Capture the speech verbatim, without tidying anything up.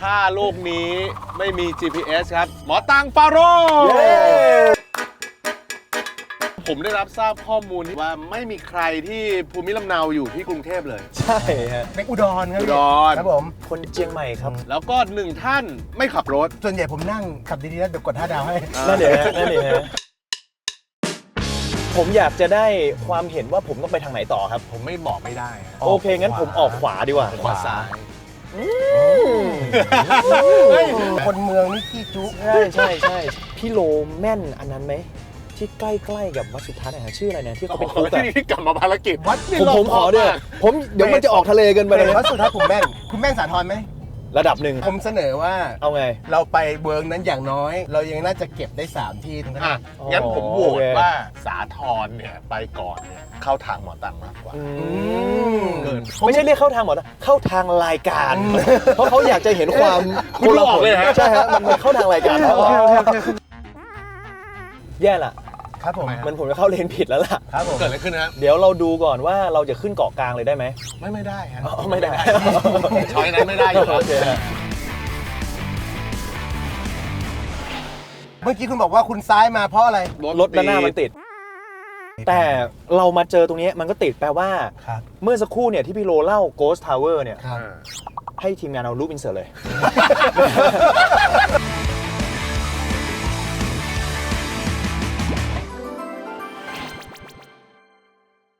ถ้าลูกนี้ไม่มี จี พี เอส ครับหมอตังฟาโรผมได้รับทราบข้อมูลว่าไม่มีใครที่ภูมิลำเนาอยู่ที่กรุงเทพเลยใช่ฮะเป็นอุดรครับอุดรครับผมคนเชียงใหม่ครับแล้วก็หนึ่งท่านไม่ขับรถส่วนใหญ่ผมนั่งขับดีๆแล้วเดี๋ยวกดห้าดาวให้นั่นเดี๋ยวนั่นเดี๋ยวผมอยากจะได้ความเห็นว่าผมต้องไปทางไหนต่อครับผมไม่บอกไม่ได้โอเคงั้นผมออกขวาดีกว่าขวาซ้ายคนเมืองนี่ขี้จุใช่ใช่ใช่พี่โลแม่นอันนั้นไหมที่ใกล้ๆกับวัดสุทัศน์นะชื่ออะไรนะที่เขาเป็นคุกอะที่กลับมาภารกิจวัดผมผมขอด้วยผมเดี๋ยวมันจะออกทะเลกันไปเลยวัดสุทัศน์ผมแม่นคุณแม่นสาธรไหมระดับหนึ่งผมเสนอว่าเอาไงเราไปเวิร์กนั้นอย่างน้อยเรายังน่าจะเก็บได้สามที่ทั้งนั้นงั้นผมโหวตว่าสาธรเนี่ยไปก่อนเนี่ยเข้าทางหมอตังมากกว่าไม่ใช่เรียกเข้าทางหมอตังเข้าทางรายการเพราะเขาอยากจะเห็นความคุณหลอกเลยฮะใช่ฮะมันเข้าทางรายการแย่ละครับผมมันผมจะเข้าเลนผิดแล้วล่ะครับผมเกิดอะไรขึ้นนะเดี๋ยวเราดูก่อนว่าเราจะขึ้นเกาะกลางเลยได้ไหมไม่ไม่ได้ฮะไม่ได้ช้อยนั้นไม่ได้อยู่แล้วเมื่อกี้คุณบอกว่าคุณซ้ายมาเพราะอะไรรถด้านหน้ามันติดแต่เรามาเจอตรงนี้มันก็ติดแปลว่าเมื่อสักครู่เนี่ยที่พี่โลเล่า Ghost Tower เนี่ยให้ทีมงานเอารูปอินเสิร์ตเลย